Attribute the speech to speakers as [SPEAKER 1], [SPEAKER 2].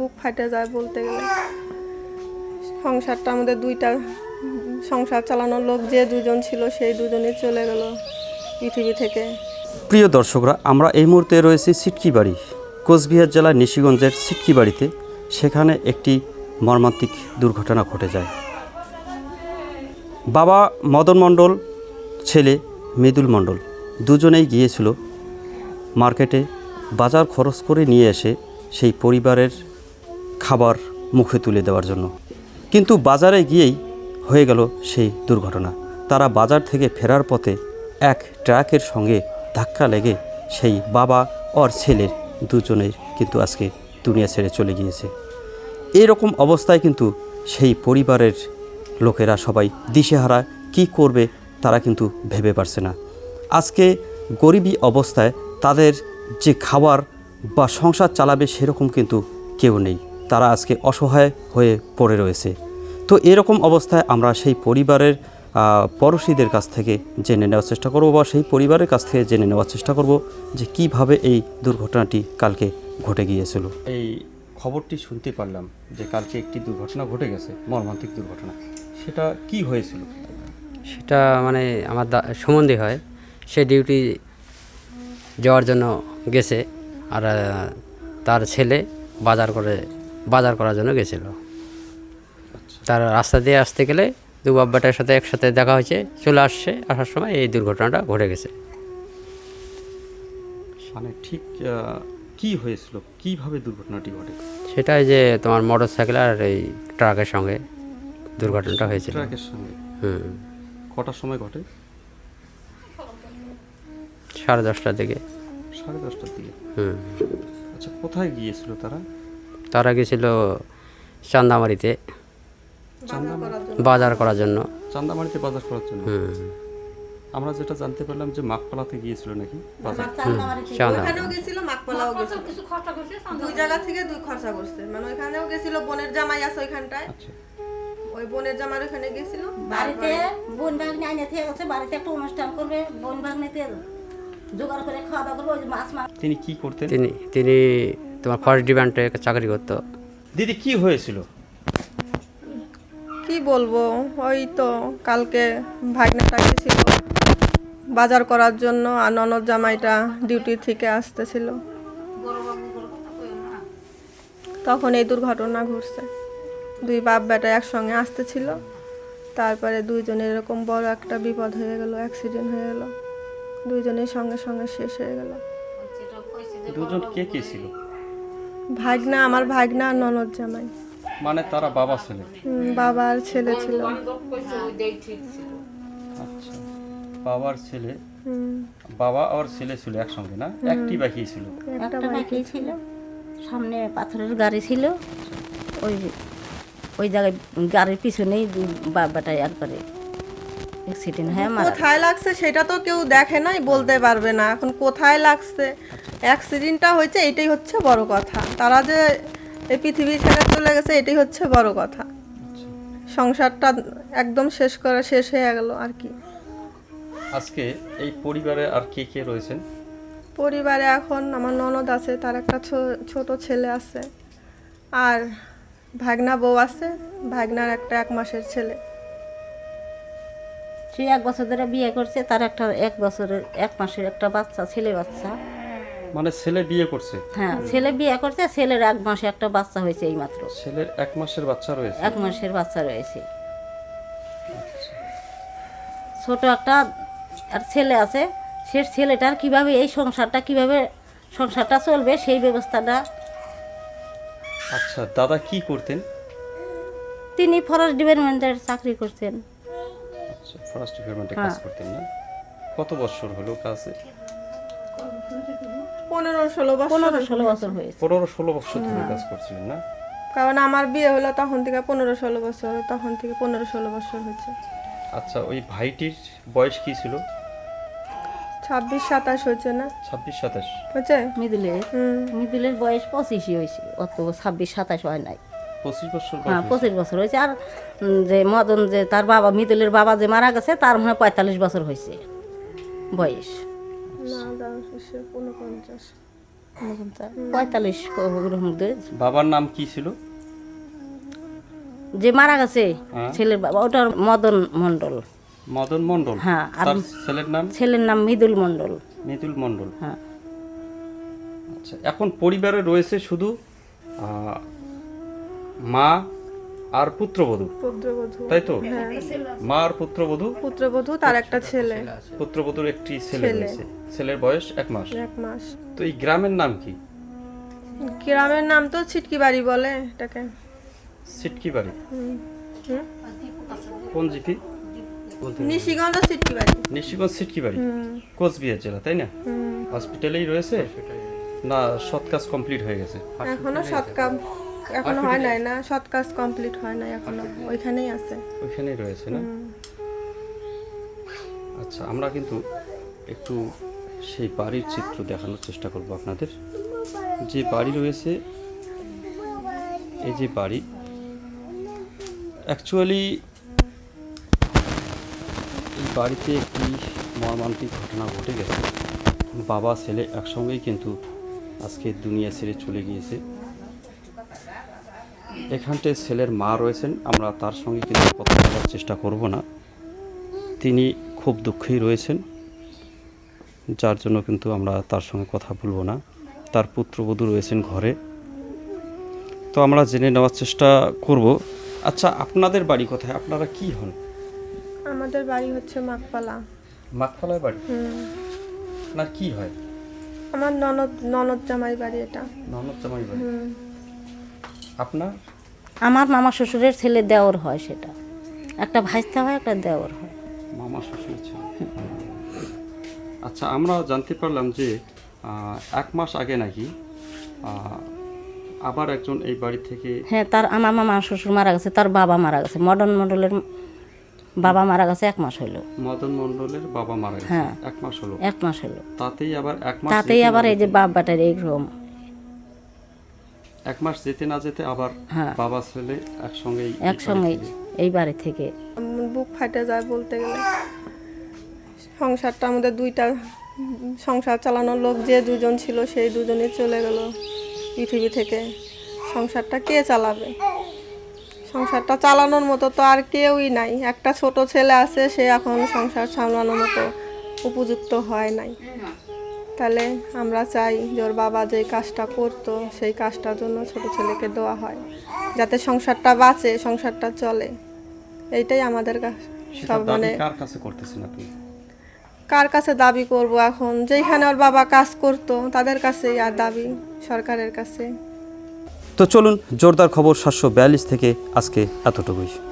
[SPEAKER 1] বুক ফাটে যায় বলতে গেলে। সংসারটা আমাদের দুইটা সংসার চালানোর লোক যে দুজন ছিল সেই দুজনই চলে গেল পৃথিবী থেকে।
[SPEAKER 2] প্রিয় দর্শকরা, আমরা এই মুহূর্তে রয়েছি সিটকি বাড়ি, কোচবিহার জেলার নিশিগঞ্জের সিটকি বাড়িতে। সেখানে একটি মর্মান্তিক দুর্ঘটনা ঘটে যায়। বাবা মদন মণ্ডল, ছেলে মৃদুল মণ্ডল দুজনেই গিয়েছিল মার্কেটে বাজার খরচ করে নিয়ে এসে সেই পরিবারের খাবার মুখে তুলে দেওয়ার জন্য। কিন্তু বাজারে গিয়েই হয়ে গেল সেই দুর্ঘটনা। তারা বাজার থেকে ফেরার পথে এক ট্রাকের সঙ্গে ধাক্কা লেগে সেই বাবা আর ছেলের দুজনের কিন্তু আজকে দুনিয়া ছেড়ে চলে গিয়েছে। এরকম অবস্থায় কিন্তু সেই পরিবারের লোকেরা সবাই দিশেহারা, কি করবে তারা কিন্তু ভেবে পারছে না। আজকে গরিবী অবস্থায় তাদের যে খাবার বা সংসার চালাবে সেরকম কিন্তু কেউ নেই। তারা আজকে অসহায় হয়ে পড়ে রয়েছে। তো এরকম অবস্থায় আমরা সেই পরিবারের পড়শিদের কাছ থেকে জেনে নেওয়ার চেষ্টা করব, বা সেই পরিবারের কাছ থেকে জেনে নেওয়ার চেষ্টা করব যে কিভাবে এই দুর্ঘটনাটি কালকে ঘটে গিয়েছিল। এই খবরটি শুনতে পারলাম যে কালকে একটি দুর্ঘটনা ঘটে গেছে, মর্মান্তিক দুর্ঘটনা। সেটা কি হয়েছিল?
[SPEAKER 3] সেটা মানে আমার সম্বন্ধে হয়, সে ডিউটি যাওয়ার জন্য গেছে, আর তার ছেলে বাজার করার জন্য গেছিল। তার রাস্তা দিয়ে আসতে গেলে দু বাব্বাটার সাথে একসাথে দেখা হয়েছে, চলে আসার সময় এই দুর্ঘটনাটা ঘটে গেছে।
[SPEAKER 2] মানে ঠিক কি হয়েছিল, কিভাবে দুর্ঘটনাটি ঘটে?
[SPEAKER 3] সেটাই যে তোমার মোটর সাইকেল আর এই ট্রাকের সঙ্গে দুর্ঘটনাটা হয়েছিল।
[SPEAKER 2] ট্রাকের সঙ্গে? কটার সময় ঘটে?
[SPEAKER 3] 10:30টার দিকে।
[SPEAKER 2] 10:30টার দিকে? আচ্ছা, কোথায় গিয়েছিল তারা?
[SPEAKER 3] তারা গেছিল চান্দামারিতে বাজার করার জন্য।
[SPEAKER 2] চান্দামারিতে বাজার করার জন্য? আমরা যেটা জানতে পারলাম যে মাকপালাতে গিয়েছিল নাকি বাজার।
[SPEAKER 1] ওখানেও গেছিল, মাকপালাও গেছিল, দুই জায়গা থেকে দুই খরচা করছে। মানে ওইখানেও গেছিল, বোনের জামাই আছে ওইখানটায়।
[SPEAKER 2] আচ্ছা,
[SPEAKER 1] ওই বোনের জামাই ওখানে গেছিল।
[SPEAKER 4] বাড়িতে বোন ভাগ্নে আইনে থেকে গেছে, বাড়িতে একটা অনুষ্ঠান করবে, বোন ভাগ্নেতে জোগাড় করে খাওয়া দাওয়া করবে, ওই মাছ মাছ।
[SPEAKER 2] তিনি কি করতেন?
[SPEAKER 3] তিনি তোমার ফরেস্ট ডিপার্টমেন্টে চাকরি করতো।
[SPEAKER 2] দিদি, কি হয়েছিল?
[SPEAKER 1] কি বলবো, ওই তো কালকে ভাগ্নেটা গেছিল বাজার করার জন্য, আর ননদ জামাইটা ডিউটি থেকে আসতেছিল, তখন এই দুর্ঘটনা ঘটছে। দুই বাপ বেটা একসঙ্গে আসতেছিল, তারপরে দুইজনের এরকম বড় একটা বিপদ হয়ে গেল, অ্যাক্সিডেন্ট হয়ে গেল, দুইজনের সঙ্গে সঙ্গে শেষ হয়ে গেল।
[SPEAKER 2] দুজন কে কে ছিল?
[SPEAKER 1] ভাগনা, আমার ভাগনা আর ননদ জামাই।
[SPEAKER 2] মানে তারা বাবা ছেলে?
[SPEAKER 1] বাবা আর ছেলে ছিল।
[SPEAKER 2] আচ্ছা, বাবার ছেলে, বাবা আর ছেলে ছিল একসঙ্গে না? একটি বাকি ছিল?
[SPEAKER 4] একটা বাইকে ছিল, সামনে পাথরের গাড়ি ছিল, ওই জায়গায় গাড়ির পিছনেই বাবাটাই একবারে অ্যাক্সিডেন্ট হয়ে মারা।
[SPEAKER 1] কোথায় লাগছে সেটা তো কেউ দেখে নাই, বলতে পারবে না এখন কোথায় লাগছে। অ্যাক্সিডেন্টটা হয়েছে, এটাই হচ্ছে বড় কথা। তারা যে এই পৃথিবী ছেড়ে চলে গেছে, এটাই হচ্ছে বড় কথা। সংসারটা একদম শেষ হয়ে গেল আর কি।
[SPEAKER 2] আজকে এই পরিবারে আর কে কে রয়েছেন?
[SPEAKER 1] পরিবারে এখন আমার ননদ আছে, তার একটা ছোট ছেলে আছে, আর ভাগনা বউ আছে, ভাগনার একটা 1 মাসের ছেলে।
[SPEAKER 4] সে 1 বছর ধরে বিয়ে করছে, তার একটা 1 বছরের 1 মাসের একটা বাচ্চা, ছেলে বাচ্চা।
[SPEAKER 2] মানে ছেলে বিয়ে করছে?
[SPEAKER 4] হ্যাঁ, ছেলে বিয়ে করছে, ছেলের 1 মাসে একটা বাচ্চা হয়েছে এই মাত্র।
[SPEAKER 2] ছেলের 1 মাসের বাচ্চা রয়েছে?
[SPEAKER 4] 1 মাসের বাচ্চা রয়েছে, ছোট একটা আর ছেলে আছে। সে ছেলেটার কিভাবে এই সংসারটা চলবে সেই ব্যবস্থাটা।
[SPEAKER 2] আচ্ছা, দাদা কি করতেন?
[SPEAKER 4] তিনি ফরেস্ট ডিপার্টমেন্টের চাকরি করছেন।
[SPEAKER 2] আচ্ছা, ফরেস্ট ডিপার্টমেন্টে কাজ করতেন না? কত বছর হলো কাজে?
[SPEAKER 1] 15-16 বছর।
[SPEAKER 4] 15-16 বছর হয়েছে।
[SPEAKER 2] 15-16 বছর ধরে কাজ করছিলেন না?
[SPEAKER 1] কারণ আমার বিয়ে হলো তখন থেকে 15-16 বছর, তখন থেকে 15-16 বছর হয়েছে।
[SPEAKER 2] আচ্ছা, ওই ভাইটির বয়স কি ছিল?
[SPEAKER 1] 26-27 হয়েছে না?
[SPEAKER 2] 26-27
[SPEAKER 1] হয়েছে।
[SPEAKER 4] মৃদুলের বয়স 25ই হয়েছে, অত 26-27 হয় নাই।
[SPEAKER 2] 25 বছর?
[SPEAKER 4] হ্যাঁ, 25 বছর হয়েছে। আর যে মদন, যে তার বাবা, মৃদুলের বাবা যে মারা গেছে, তার মনে হয় 45 বছর হয়েছে বয়স।
[SPEAKER 1] না, 49।
[SPEAKER 4] 45 ওরকম দুধ।
[SPEAKER 2] বাবার নাম কি ছিল?
[SPEAKER 4] যে মারা গেছে
[SPEAKER 2] হ্যাঁ।
[SPEAKER 4] ছেলের বাবা ওটার মদন মণ্ডল।
[SPEAKER 2] মদন মণ্ডল।
[SPEAKER 4] হ্যাঁ, আর
[SPEAKER 2] তার ছেলের নাম
[SPEAKER 4] ছেলের নাম মৃদুল মণ্ডল।
[SPEAKER 2] মৃদুল মণ্ডল।
[SPEAKER 4] হ্যাঁ,
[SPEAKER 2] আচ্ছা, এখন পরিবারে রয়েছে শুধু মা আর পুত্রবধূ,
[SPEAKER 1] পুত্রবধূ।
[SPEAKER 2] তাই তো?
[SPEAKER 1] হ্যাঁ,
[SPEAKER 2] মা আর পুত্রবধূ,
[SPEAKER 1] পুত্রবধূ তার একটা ছেলে,
[SPEAKER 2] পুত্রবধূর একটি ছেলে
[SPEAKER 1] ছেলে।
[SPEAKER 2] রয়েছে, ছেলের বয়স 1 মাস।
[SPEAKER 1] 1 মাস।
[SPEAKER 2] তো এই গ্রামের নাম কি?
[SPEAKER 1] গ্রামের নাম তো ছিটকি বাড়ি বলে এটাকে।
[SPEAKER 2] সিটকি বাড়ি।
[SPEAKER 1] হুম।
[SPEAKER 2] কোন জিপি?
[SPEAKER 1] নিশিগঞ্জ ছিটকি বাড়ি।
[SPEAKER 2] নিশিগঞ্জ সিটকি বাড়ি,
[SPEAKER 1] হুম,
[SPEAKER 2] কোচবিহার জেলা, তাই না?
[SPEAKER 1] হুম।
[SPEAKER 2] হসপিটালেই রয়েছে না সৎ কাজ কমপ্লিট হয়ে গেছে?
[SPEAKER 1] এখনো সৎ কাজ এখনো হয় নাই, না সৎ কাজ কমপ্লিট হয় নাই এখনো, ওইখানেই আছে।
[SPEAKER 2] ওইখানেই রয়েছে না?
[SPEAKER 1] হুম।
[SPEAKER 2] আচ্ছা, আমরা কিন্তু একটু সেই বাড়ির চিত্র দেখানোর চেষ্টা করব আপনাদের। যে বাড়ি রয়েছে, এই যে বাড়ি, অ্যাকচুয়ালি এই বাড়িতে একটি মর্মান্তিক ঘটনা ঘটে গেছে। বাবা ছেলে একসঙ্গেই কিন্তু আজকে দুনিয়া ছেড়ে চলে গিয়েছে। এখানটায় ছেলের মা রয়েছেন, আমরা তার সঙ্গে কিন্তু কথা বলার চেষ্টা করব না। তিনি খুব দুঃখেই রয়েছেন, যার জন্য কিন্তু আমরা তার সঙ্গে কথা বলবো না। তার পুত্রবধূ রয়েছেন ঘরে, তো আমরা জেনে নেওয়ার চেষ্টা করব। আচ্ছা, আপনাদের বাড়ি কোথায়? আপনারা কি হন?
[SPEAKER 1] আমাদের বাড়ি হচ্ছে মাকপালা।
[SPEAKER 2] মাকপালার বাড়ি?
[SPEAKER 1] হুম।
[SPEAKER 2] আপনার কি হয়?
[SPEAKER 1] আমার ননদ জামাই বাড়ি এটা।
[SPEAKER 2] ননদ জামাই বাড়ি।
[SPEAKER 1] হুম।
[SPEAKER 2] আপনার?
[SPEAKER 4] আমার মামা শ্বশুরের ছেলে দেওর হয়, সেটা একটা ভাইস্তা হয়, একটা দেওর হয়।
[SPEAKER 2] মামা শ্বশুর ছিল। আচ্ছা, আমরা জানতে পারলাম যে 1 মাস আগে নাকি আবার একজন এই বাড়ি থেকে।
[SPEAKER 4] হ্যাঁ, তার আমার মামা শ্বশুর মারা গেছে, তার বাবা মারা গেছে, মদন মণ্ডলের বাবা মারা গেছে 1 মাস হলো।
[SPEAKER 2] মদন মণ্ডলের বাবা মারা গেছে।
[SPEAKER 4] হ্যাঁ।
[SPEAKER 2] 1 মাস হলো।
[SPEAKER 4] 1 মাস হলো।
[SPEAKER 2] তাতেই আবার 1 মাস
[SPEAKER 4] তাতেই
[SPEAKER 2] যেতে
[SPEAKER 4] আবার
[SPEAKER 2] না
[SPEAKER 4] এই যে
[SPEAKER 2] যেতে-
[SPEAKER 4] বাপ বাটার এইরকম।
[SPEAKER 2] 1 মাস যেতে না যেতে আবার
[SPEAKER 4] হ্যাঁ।
[SPEAKER 2] বাবা ছেলে একসঙ্গেই এই বাড়ি
[SPEAKER 4] একসঙ্গেই
[SPEAKER 2] থেকে।
[SPEAKER 4] এই বাড়ি থেকে।
[SPEAKER 1] বুক ফাটে যায় বলতে গেলে। সংসারটা আমাদের দুইটা, সংসার চালানোর লোক যে দুজন ছিল সেই দুজনই চলে গেল পৃথিবী থেকে। সংসারটা কে চালাবে? সংসারটা চালানোর মতো তো আর কেউই নাই। একটা ছোট ছেলে আছে, সে এখন সংসার সামলানোর মতো উপযুক্ত হয় নাই। তাহলে আমরা চাই যে ওর বাবা যে কাজটা করতো সেই কাজটার জন্য ছোট ছেলেকে দেওয়া হয়, যাতে সংসারটা বাঁচে, সংসারটা চলে। এইটাই আমাদের
[SPEAKER 2] সেটা
[SPEAKER 1] সব
[SPEAKER 2] দাবি
[SPEAKER 1] মানে
[SPEAKER 2] কার কাছে করতেছেন আপনি?
[SPEAKER 1] কার কাছে দাবি করব এখন? যেখানে ওর বাবা কাজ করতো তাদের কাছেই আর দাবি, সরকারের কাছে।
[SPEAKER 2] তো চলুন, জোরদার খবর 742 থেকে আজকে এতটুকুই।